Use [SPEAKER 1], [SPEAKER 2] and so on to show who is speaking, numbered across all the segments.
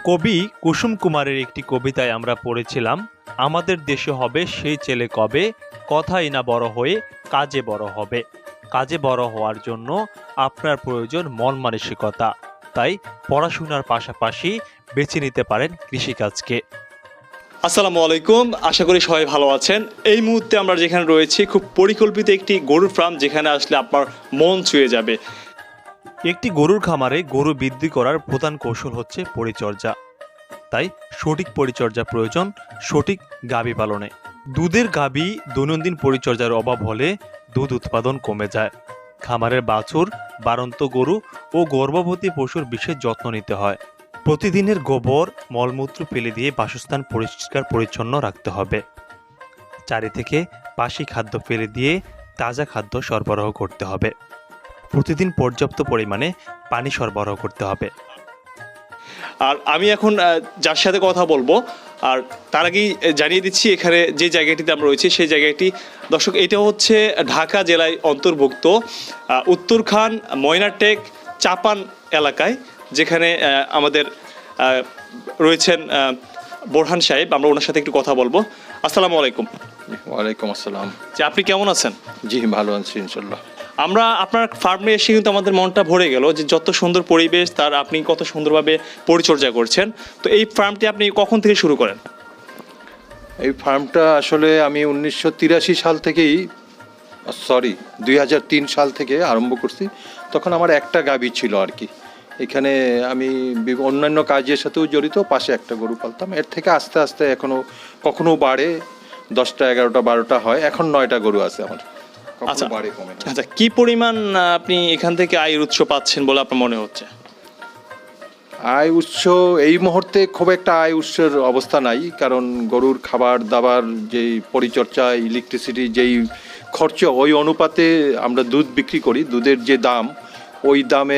[SPEAKER 1] কবি কুসুম কুমারের একটি কবিতায় আমরা পড়েছিলাম, আমাদের দেশে হবে সেই ছেলে কবে, কথাই না বড় হয়ে কাজে বড় হবে। কাজে বড় হওয়ার জন্য আপনার প্রয়োজন মন মানসিকতা। তাই পড়াশোনার পাশাপাশি বেছে নিতে পারেন কৃষিকাজকে।
[SPEAKER 2] আসসালামু আলাইকুম, আশা করি সবাই ভালো আছেন। এই মুহূর্তে আমরা যেখানে রয়েছি খুব পরিকল্পিত একটি গরুর ফার্ম, যেখানে আসলে আপনার মন ছুঁয়ে যাবে।
[SPEAKER 1] একটি গরুর খামারে গরু বৃদ্ধি করার প্রধান কৌশল হচ্ছে পরিচর্যা। তাই সঠিক পরিচর্যা প্রয়োজন সঠিক গাভী পালনে। দুধের গাভী দৈনন্দিন পরিচর্যার অভাব হলে দুধ উৎপাদন কমে যায়। খামারের বাছুর, বাড়ন্ত গরু ও গর্ভবতী পশুর বিশেষ যত্ন নিতে হয়। প্রতিদিনের গোবর মলমূত্র ফেলে দিয়ে বাসস্থান পরিষ্কার পরিচ্ছন্ন রাখতে হবে। চারি থেকে বাসি খাদ্য ফেলে দিয়ে তাজা খাদ্য সরবরাহ করতে হবে। প্রতিদিন পর্যাপ্ত পরিমাণে পানি সরবরাহ করতে হবে।
[SPEAKER 2] আর আমি এখন যার সাথে কথা বলবো, আর তার আগেই জানিয়ে দিচ্ছি এখানে যে জায়গাটিতে আমরা রয়েছি সেই জায়গাটি, দর্শক, এটা হচ্ছে ঢাকা জেলায় অন্তর্ভুক্ত উত্তরখান ময়নাটেক চাপান এলাকায়, যেখানে আমাদের রয়েছেন বোরহান সাহেব। আমরা ওনার সাথে একটু কথা বলবো। আসসালামু আলাইকুম।
[SPEAKER 3] ওয়ালাইকুম আসসালাম।
[SPEAKER 2] যে আপনি কেমন আছেন?
[SPEAKER 3] জি ভালো আছি ইনশাল্লাহ।
[SPEAKER 2] আমরা আপনার ফার্মে এসে কিন্তু আমাদের মনটা ভরে গেল, যে যত সুন্দর পরিবেশ, তার আপনি কত সুন্দরভাবে পরিচর্যা করছেন। তো এই ফার্মটি আপনি কখন থেকে শুরু করেন?
[SPEAKER 3] এই ফার্মটা আসলে আমি 1983 সাল থেকেই 2003 সাল থেকে আরম্ভ করছি। তখন আমার একটা গাভী ছিল আর কি। এখানে আমি অন্যান্য কাজের সাথেও জড়িত, পাশে একটা গরু পালতাম। এর থেকে আস্তে আস্তে কখনো বাড়ে, 10টা 11টা 12টা হয়। এখন 9টা গরু আছে আমার।
[SPEAKER 2] আচ্ছা, কি পরিমাণ আপনি এখান থেকে আয়ের উৎস পাচ্ছেন বলে আপনার মনে হচ্ছে?
[SPEAKER 3] আয় উৎস এই মুহূর্তে খুব একটা আয় উৎসের অবস্থা নাই, কারণ গরুর খাবার দাবার, যেই পরিচর্যা, ইলেকট্রিসিটি, যেই খরচ, ওই অনুপাতে আমরা দুধ বিক্রি করি। দুধের যে দাম, ওই দামে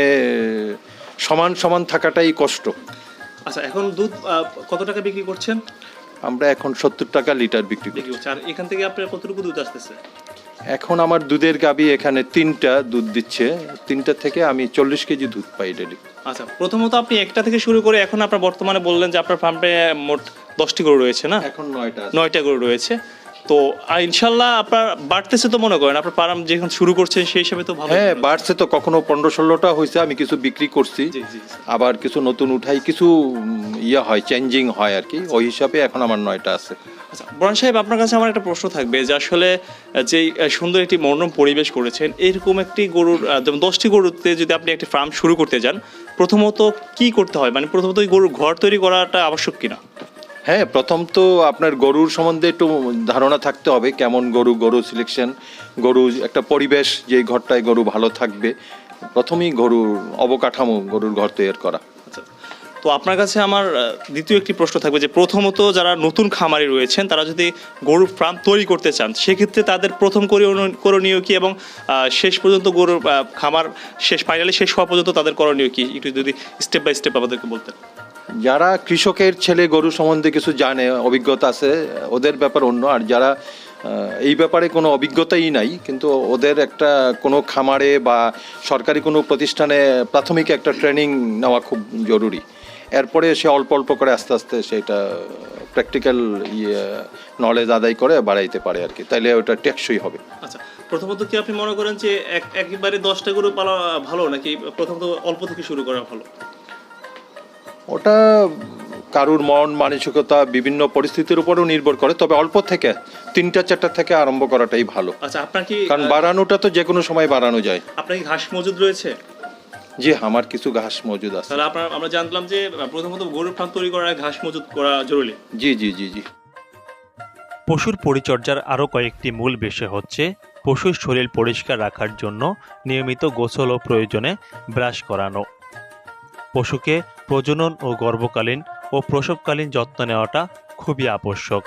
[SPEAKER 3] সমান সমান থাকাটাই কষ্ট।
[SPEAKER 2] আচ্ছা, এখন দুধ কত টাকা বিক্রি করছেন?
[SPEAKER 3] আমরা এখন 70 টাকা লিটার বিক্রি করি।
[SPEAKER 2] আর এখান থেকে আপনার কতটুকু দুধ আসতেছে?
[SPEAKER 3] এখন আমার দুধের গাভী এখানে 3টা দুধ দিচ্ছে। 3টা থেকে আমি 40 কেজি দুধ পাই ডেলি।
[SPEAKER 2] আচ্ছা, প্রথমত আপনি একটা থেকে শুরু করে এখন আপনার বর্তমানে বললেন যে আপনার ফার্মে মোট 10টি গরু রয়েছে, না?
[SPEAKER 3] এখন 9টা
[SPEAKER 2] 9টা গরু রয়েছে। তো ইনশাল্লাহ আপনার বাড়তেছে তো মনে করেন? আপনার ফার্ম যখন শুরু করছেন সেই হিসাবে তো ভালো।
[SPEAKER 3] হ্যাঁ, বাড়ছে তো। কখনো 15-16টা হয়েছে। আমি কিছু বিক্রি করছি, আবার কিছু নতুন উঠাই, কিছু হয়, চেঞ্জিং হয় আর কি। ওই হিসাবে এখন আমার 9টা আছে।
[SPEAKER 2] আচ্ছা বোরহান সাহেব, আপনার কাছে আমার একটা প্রশ্ন থাকবে, যে আসলে যেই সুন্দর একটি মনোরম পরিবেশ করেছেন, এরকম একটি গরুর যেমন 10টি গরুতে যদি আপনি একটি ফার্ম শুরু করতে যান, প্রথমত কি করতে হয়? মানে প্রথমত ওই গরুর ঘর তৈরি করাটা আবশ্যক কিনা?
[SPEAKER 3] হ্যাঁ, প্রথম তো আপনার গরুর সম্বন্ধে একটু ধারণা থাকতে হবে, কেমন গরু সিলেকশন, গরু একটা পরিবেশ, যেই ঘরটায় গরু ভালো থাকবে। প্রথমেই গরুর অবকাঠামো, গরুর ঘর তৈরি করা।
[SPEAKER 2] আচ্ছা, তো আপনার কাছে আমার দ্বিতীয় একটি প্রশ্ন থাকবে, যে প্রথমত যারা নতুন খামারি রয়েছেন, তারা যদি গরুর ফার্ম তৈরি করতে চান, সেক্ষেত্রে তাদের প্রথম করণীয় কি, এবং শেষ পর্যন্ত গরুর খামার ফাইনালি শেষ হওয়া পর্যন্ত তাদের করণীয় কি, একটু যদি স্টেপ বাই স্টেপ আমাদেরকে বলতেন।
[SPEAKER 3] যারা কৃষকের ছেলে, গরু সম্বন্ধে কিছু জানে, অভিজ্ঞতা আছে, ওদের ব্যাপার অন্য। আর যারা এই ব্যাপারে কোনো অভিজ্ঞতাই নাই, কিন্তু ওদের একটা কোনো খামারে বা সরকারি কোনো প্রতিষ্ঠানে প্রাথমিক একটা ট্রেনিং নেওয়া খুব জরুরি। এরপরে সে অল্প অল্প করে আস্তে আস্তে সেটা প্র্যাকটিক্যাল নলেজ আদায় করে বাড়াইতে পারে আর কি। তাইলে ওটা টেকসই হবে।
[SPEAKER 2] আচ্ছা, প্রথমত কি আপনি মনে করেন যে একবারে 10টা গরু পালা ভালো, নাকি প্রথমত অল্প থেকে শুরু করা ভালো?
[SPEAKER 3] ওটা কারুর মন মানসিকতা, বিভিন্ন পরিস্থিতির উপরও নির্ভর করে। তবে অল্প থেকে 3টা 4টা থেকে আরম্ভ করাটাই ভালো।
[SPEAKER 2] আচ্ছা, আপনার কি,
[SPEAKER 3] কারণ বাড়ানোটা তো যে কোনো সময় বাড়ানো যায়।
[SPEAKER 2] আপনার কি ঘাস মজুদ রয়েছে?
[SPEAKER 3] জি, আমার কিছু ঘাস মজুদ আছে।
[SPEAKER 2] তাহলে আমরা জানলাম যে প্রথমত গরুর ফার্ম তৈরি করার ঘাস মজুদ করা জরুরি।
[SPEAKER 3] জি জি জি জি।
[SPEAKER 1] পশুর পরিচর্যার আরও কয়েকটি মূল বিষয় হচ্ছে পশুর শরীর পরিষ্কার রাখার জন্য নিয়মিত গোসল ও প্রয়োজনে ব্রাশ করানো, পশুকে প্রজনন ও গর্ভকালীন ও প্রসবকালীন যত্ন নেওয়াটা খুবই আবশ্যক,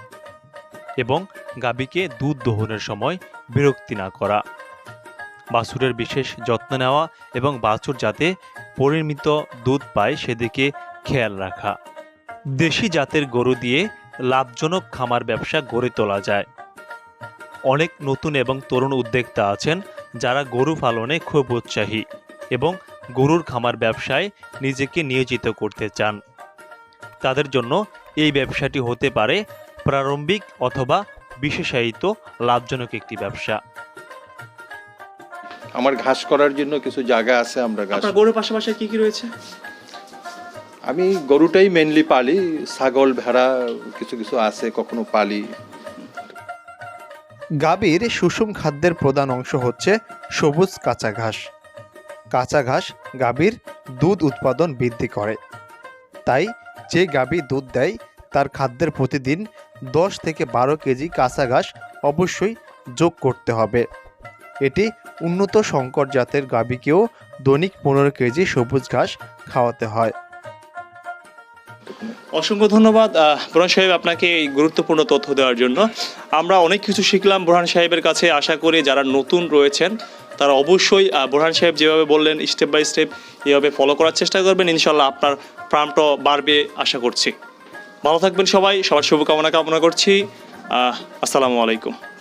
[SPEAKER 1] এবং গাভীকে দুধ দোহনের সময় বিরক্তি না করা, বাছুরের বিশেষ যত্ন নেওয়া এবং বাছুর যাতে পরিমিত দুধ পায় সেদিকে খেয়াল রাখা। দেশি জাতের গরু দিয়ে লাভজনক খামার ব্যবসা গড়ে তোলা যায়। অনেক নতুন এবং তরুণ উদ্যোক্তা আছেন যারা গরু পালনে খুব উৎসাহী এবং গরুর খামার ব্যবসায় নিজেকে নিয়োজিত করতে চান। তাদের জন্য এই ব্যবসাটি হতে পারে প্রারম্ভিক অথবা বিশেষায়িত লাভজনক একটি ব্যবসা।
[SPEAKER 3] আমার ঘাস করার জন্য কিছু জায়গা আছে, আমরা ঘাস,
[SPEAKER 2] আপনার গরুর পাশাপাশি কি কি রয়েছে?
[SPEAKER 3] আমি গরুটাই মেনলি পালি, ছাগল ভেড়া কিছু কিছু আছে কখনো পালি।
[SPEAKER 4] গাভীর সুষম খাদ্যের প্রধান অংশ হচ্ছে সবুজ কাঁচা ঘাস। কাঁচা ঘাস গাভীর দুধ উৎপাদন বৃদ্ধি করে। তাই যে গাভী দুধ দেয় তার খাদ্যের প্রতিদিন 10 থেকে 12 কেজি কাঁচা ঘাস অবশ্যই যোগ করতে হবে। এটি উন্নত সংকর জাতের গাভীকেও দৈনিক 15 কেজি সবুজ ঘাস খাওয়াতে হয়।
[SPEAKER 2] অসংখ্য ধন্যবাদ বুরহান সাহেব আপনাকে এই গুরুত্বপূর্ণ তথ্য দেওয়ার জন্য। আমরা অনেক কিছু শিখলাম বুরহান সাহেবের কাছে। আশা করি যারা নতুন রয়েছেন তারা অবশ্যই বুরহান সাহেব যেভাবে বললেন স্টেপ বাই স্টেপ এইভাবে ফলো করার চেষ্টা করবেন। ইনশাল্লাহ আপনার ফার্মটা বাড়বে আশা করছি। ভালো থাকবেন সবাই, সবার শুভকামনা কামনা করছি। আসসালামু আলাইকুম।